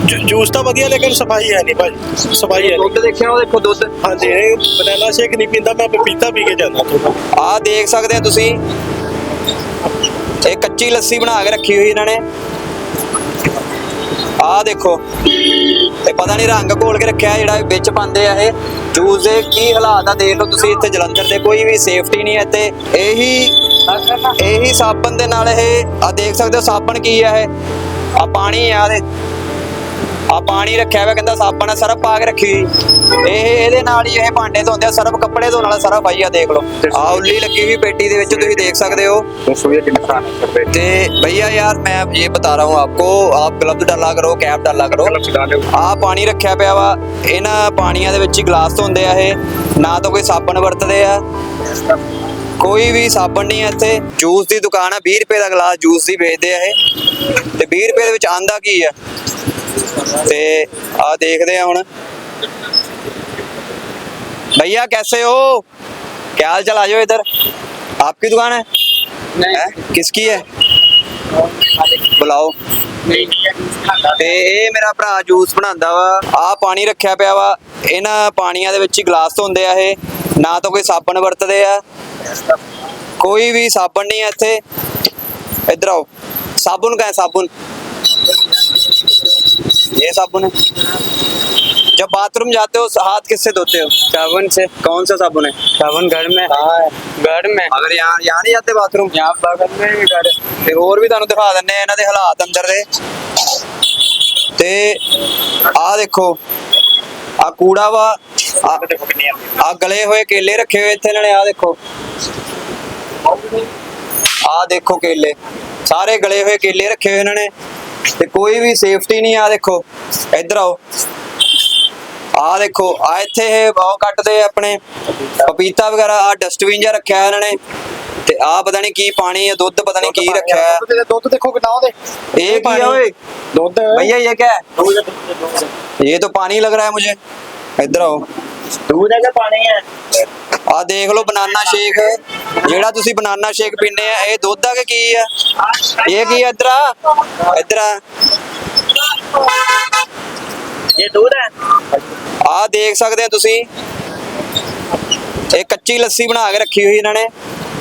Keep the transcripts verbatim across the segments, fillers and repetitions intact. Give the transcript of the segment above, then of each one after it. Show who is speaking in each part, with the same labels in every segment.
Speaker 1: Juice तो वधिया लेकिन सफाई है नहीं भाजी, सफाई है
Speaker 2: ਦੁੱਧ ਦੇਖਿਆ ਉਹ ਦੇਖੋ ਦੁੱਧ
Speaker 1: हाँ जी। बनाना शेक नहीं पीता, मैं पपीता पी के जाना थोड़ा।
Speaker 2: ਆ ਦੇਖ ਸਕਦੇ ਆ ਤੁਸੀਂ ਇਹ ਕੱਚੀ ਲੱਸੀ ਬਣਾ ਕੇ ਰੱਖੀ ਹੋਈ ਇਹਨਾਂ ਨੇ। ਆ ਦੇਖੋ ਇਹ ਪਤਾ ਨਹੀਂ ਰੰਗ ਘੋਲ ਕੇ ਰੱਖਿਆ ਜਿਹੜਾ ਵਿੱਚ ਪਾਉਂਦੇ ਆ ਇਹ ਜੂਸ ਦੇ। ਕੀ ਹਾਲਾਤ ਆ ਦੇਖ ਲਓ ਤੁਸੀਂ ਇੱਥੇ ਜਲੰਧਰ ਦੇ, ਕੋਈ ਵੀ ਸੇਫਟੀ ਨਹੀਂ ਹੈ ਤੇ ਇਹੀ ਇਹੀ ਸਾਬਣ ਦੇ ਨਾਲ ਇਹ ਆ ਦੇਖ ਸਕਦੇ ਹੋ। ਸਾਬਣ ਕੀ ਆ ਇਹ ਆ ਪਾਣੀ ਆ ਦੇ ਆ ਪਾਣੀ ਰੱਖਿਆ ਹੋਇਆ, ਕਹਿੰਦਾ ਸਾਬਣ ਸਰਫ ਪਾ ਕੇ ਰੱਖੀ ਹੋਈ। ਇਹ ਇਹਦੇ ਨਾਲ ਹੀ ਇਹ ਭਾਂਡੇ ਧੋਂਦੇ ਆ, ਸਰਫ ਕੱਪੜੇ ਧੋਣ ਵਾਲਾ ਸਰਫ ਆਈ ਆ ਦੇਖ ਲਓ। ਆ ਉੱਲੀ ਲੱਗੀ ਹੋਈ ਪੇਟੀ ਦੇ ਵਿੱਚ ਤੁਸੀਂ देख सकते हो। ते भैया यार मैं ये बता रहा हूँ आपको, आप ग्लव्स डाला करो, कैप डाला करो। आ पानी रखा पिया वा, इन्हां पानियां दे विच ही ग्लास धोंदे आ ये, ना तो कोई साबण वरतदे आ, कोई भी साबण नहीं है इत्थे। जूस दी दुकान है, बीस रुपए दा गिलास जूस दी बेचदे आ ये ते बीस रुपए दे विच आंदा की है ते आ देखदे आ हुण। भैया कैसे हो, क्या हाल चाल? आ जाओ इधर। आपकी दुकान है? नहीं है? किसकी है? बुलाओ। ਤੇ ਇਹ ਮੇਰਾ ਭਰਾ ਜੂਸ ਬਣਾਉਂਦਾ ਵਾ। ਆ ਪਾਣੀ ਰੱਖਿਆ ਪਿਆ ਵਾ, ਇਹਨਾਂ ਪਾਣੀਆਂ ਦੇ ਵਿੱਚ ਹੀ ਗਲਾਸ ਧੋਂਦੇ ਆ ਇਹ, ਨਾ ਤਾਂ ਕੋਈ ਸਾਬਣ ਵਰਤਦੇ ਆ, ਕੋਈ ਵੀ ਸਾਬਣ ਨਹੀਂ ਹੈ ਇੱਥੇ। ਇੱਧਰ ਆਓ। साबुन का है, साबुन ये साबुन है। जब बाथरूम जाते हो हाथ किससे धोते हो? साबुन से। कौन सा साबुन है? साबुन घर में। हाँ घर में। अगर यहाँ यहाँ नहीं जाते बाथरूम? यहाँ बगल में भी घर है। ते और भी ਤੁਹਾਨੂੰ ਦਿਖਾ ਦਿੰਨੇ ਆ ਇਹਨਾਂ ਦੇ ਹਾਲਾਤ ਅੰਦਰ ਦੇ। ਤੇ ਆ ਦੇਖੋ ਆ ਕੂੜਾ ਵਾ, ਆ ਗਲੇ ਹੋਏ ਕੇਲੇ ਰੱਖੇ ਹੋਏ ਇੱਥੇ ਇਹਨਾਂ ਨੇ। ਆ ਦੇਖੋ ਆ ਦੇਖੋ ਕੇਲੇ, ਸਾਰੇ ਗਲੇ ਹੋਏ ਕੇਲੇ ਰੱਖੇ ਹੋਏ ਇਹਨਾਂ ਨੇ ਤੇ ਕੋਈ ਵੀ ਸੇਫਟੀ ਨਹੀਂ। ਆ ਦੇਖੋ ਇੱਧਰ ਆਓ। ਆ ਦੇਖੋ ਆ ਇੱਥੇ ਇਹ ਬਹੁਤ ਕੱਟਦੇ ਆਪਣੇ ਪਪੀਤਾ ਵਗੈਰਾ। ਆ ਡਸਟਬਿਨ ਜਿਹਾ ਰੱਖਿਆ ਇਹਨਾਂ ਨੇ ਤੇ ਆ ਪਤਾ ਨਹੀਂ ਕੀ ਪਾਣੀ ਹੈ, ਦੁੱਧ ਪਤਾ ਨਹੀਂ ਕੀ ਰੱਖਿਆ ਹੈ।
Speaker 1: ਦੁੱਧ ਦੇਖੋ ਕਿੰਨਾ ਉਹਦੇ।
Speaker 2: ਇਹ ਕੀ ਹੈ ਓਏ?
Speaker 1: ਦੁੱਧ
Speaker 2: भैया ये क्या है? ये तो पानी लग रहा है मुझे। इधर आओ।
Speaker 1: दूध है कि पानी है?
Speaker 2: आ देख लो बनाना शेक, जेड़ा तुसी बनाना शेक पीने आ ये दुध आ के की है? ये की है? इधर आ, इधर आ।
Speaker 1: ये दूध है।
Speaker 2: आ देख सकते हैं तुसी एक कच्ची लस्सी बना के रखी हुई इन्होंने।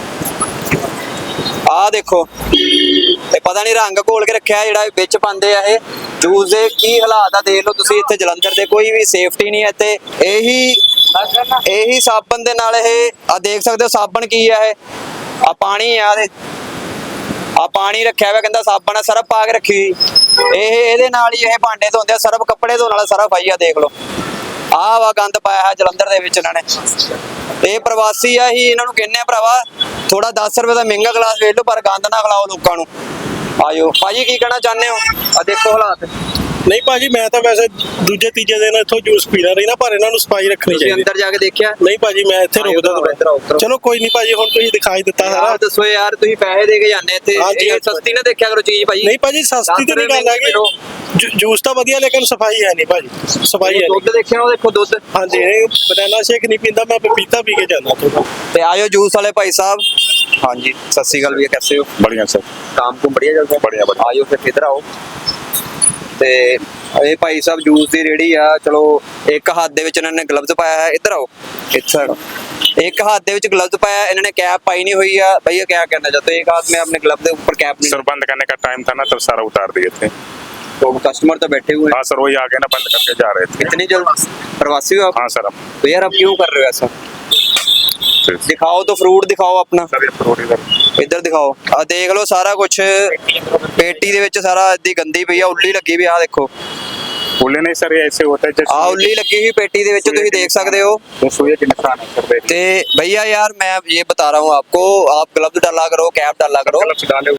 Speaker 2: आ देखो ਤੇ ਪਤਾ ਨਹੀਂ ਰੰਗ ਘੋਲ ਕੇ ਰੱਖਿਆ ਜਿਹੜਾ ਵਿੱਚ ਪਾਉਂਦੇ ਆ ਇਹ ਜੂਸ ਦੇ। ਕੀ ਹਾਲਾਤ ਆ ਦੇਖ ਲਓ ਤੁਸੀਂ ਇੱਥੇ ਜਲੰਧਰ ਦੇ, ਕੋਈ ਵੀ ਸੇਫਟੀ ਨਹੀਂ ਹੈ ਤੇ ਇਹੀ ਇਹੀ ਸਾਬਣ ਦੇ ਨਾਲ ਇਹ ਆ ਦੇਖ ਸਕਦੇ ਹੋ। ਸਾਬਣ ਕੀ ਆ ਇਹ ਆ ਪਾਣੀ ਆ ਦੇ ਆ ਪਾਣੀ ਰੱਖਿਆ ਹੋਇਆ, ਕਹਿੰਦਾ ਸਾਬਣ ਸਰਫ ਪਾ ਕੇ ਰੱਖੀ ਹੋਈ। ਇਹ ਇਹਦੇ ਨਾਲ ਹੀ ਇਹ ਭਾਂਡੇ ਧੋਂਦੇ ਆ, ਸਰਫ ਕੱਪੜੇ ਧੋਣ ਵਾਲਾ ਸਰਫ ਆਈ ਆ ਦੇਖ ਲਓ। ਆਹ ਵਾ ਗੰਦ ਪਾਇਆ ਹੈ ਜਲੰਧਰ ਦੇ ਵਿੱਚ ਇਹਨਾਂ ਨੇ। ਇਹ ਪ੍ਰਵਾਸੀ ਆ ਹੀ, ਇਹਨਾਂ ਨੂੰ ਕਹਿੰਦੇ ਆ ਭਰਾਵਾ ਥੋੜਾ दस रुपए ਦਾ ਮਹਿੰਗਾ ਗਲਾਸ ਵੇਚ ਲਓ ਪਰ ਗੰਦ ਨਾ ਖਿਲਾਓ ਲੋਕਾਂ ਨੂੰ। ਆਇਓ ਭਾਜੀ ਕੀ ਕਹਿਣਾ ਚਾਹੁੰਦੇ ਹੋ? ਆ ਦੇਖੋ ਹਾਲਾਤ।
Speaker 1: ਨਹੀਂ ਭਾਜੀ ਮੈਂ ਤਾਂ ਵੈਸੇ ਦੂਜੇ ਤੀਜੇ ਦਿਨ ਇੱਥੋਂ ਜੂਸ ਪੀਣਾ ਰਹੀ ਨਾ, ਪਰ ਇਹਨਾਂ ਨੂੰ ਸਫਾਈ ਰੱਖਣੀ
Speaker 2: ਤੁਸੀਂ
Speaker 1: ਚਾਹੀਦੀ।
Speaker 2: ਅੰਦਰ ਜਾ ਕੇ ਦੇਖਿਆ?
Speaker 1: ਨਹੀਂ ਭਾਜੀ ਮੈਂ ਇੱਥੇ ਰੁਕਦਾ ਤਾਂ। ਚਲੋ ਕੋਈ ਨਹੀਂ ਭਾਜੀ, ਹੁਣ ਤੁਸੀਂ ਦਿਖਾਈ ਦਿੱਤਾ ਸਾਰਾ।
Speaker 2: ਦੱਸੋ ਯਾਰ, ਤੁਸੀਂ ਪੈਸੇ ਦੇ ਕੇ ਜਾਂਦੇ ਇੱਥੇ, ਇਹ ਸਸਤੀ ਨਾ ਦੇਖਿਆ ਕਰੋ ਚੀਜ਼ ਭਾਜੀ।
Speaker 1: ਨਹੀਂ ਭਾਜੀ ਸਸਤੀ ਤੇ ਨਹੀਂ ਗੱਲ ਹੈਗੀ, ਜੂਸ ਤਾਂ ਵਧੀਆ ਲੇਕਿਨ ਸਫਾਈ ਹੈ ਨਹੀਂ ਭਾਜੀ, ਸਫਾਈ ਹੈ।
Speaker 2: ਦੁੱਧ ਦੇਖਿਆ ਉਹ ਦੇਖੋ ਦੁੱਧ।
Speaker 1: ਹਾਂਜੀ बनाना शेक नहीं पीता, मैं पपीता पी के जाना थोड़ा।
Speaker 2: ਤੇ ਆਇਓ ਜੂਸ ਵਾਲੇ ਭਾਈ ਸਾਹਿਬ। ਹਾਂਜੀ ਸਤਿ ਸ਼੍ਰੀ ਅਕਾਲ भैया, कैसे हो?
Speaker 3: बढ़िया सर।
Speaker 2: काम को बढ़िया चलता है?
Speaker 3: बढ़िया बढ़िया।
Speaker 2: ਆਇਓ ਫਿਰ ਇੱਧਰ ਆਓ। ਤੇ ਇਹ ਭਾਈ ਸਾਹਿਬ ਜੂਸ ਦੀ ਰੇੜੀ ਆ। ਚਲੋ ਇੱਕ ਹੱਥ ਦੇ ਵਿੱਚ ਇਹਨਾਂ ਨੇ ਗਲਵਜ਼ ਪਾਇਆ ਹੈ। ਇੱਧਰ ਆਓ ਇੱਥੇ। एक हाथ दे विच ग्लव्स पाया, इन्होंने कैप पाई नहीं हुई है। भैया क्या कहना चाहते हो? एक हाथ में अपने ग्लव के ऊपर कैप नहीं।
Speaker 3: सर बंद करने का टाइम था ना, तब सारा उतार दिए थे।
Speaker 2: तो कस्टमर तो बैठे हुए हैं।
Speaker 3: हाँ सर वही आगे ना बंद करके जा रहे थे।
Speaker 2: इतनी जल्द प्रवासी हो आप?
Speaker 3: हाँ सर। अब
Speaker 2: तो यार अब क्यों कर रहे हो ऐसा? दिखाओ तो फ्रूट दिखाओ अपना।
Speaker 3: सर ये फ्रूट इधर
Speaker 2: इधर दिखाओ। आ देख लो सारा कुछ पेटी दे विच सारा इतनी गंदी पई आ, उल्ली लगी भी। आ देखो
Speaker 3: फूले नहीं सर, ये ऐसे होता है जैसे
Speaker 2: आ उल्ली लगी हुई पेटी दे विच, तुसीं देख सकते हो।
Speaker 3: तो सुई के निशान है सर।
Speaker 2: ते भैया यार मैं ये बता रहा हूँ आपको, आप ग्लव्स डाला करो, कैप डाला करो।
Speaker 3: डाले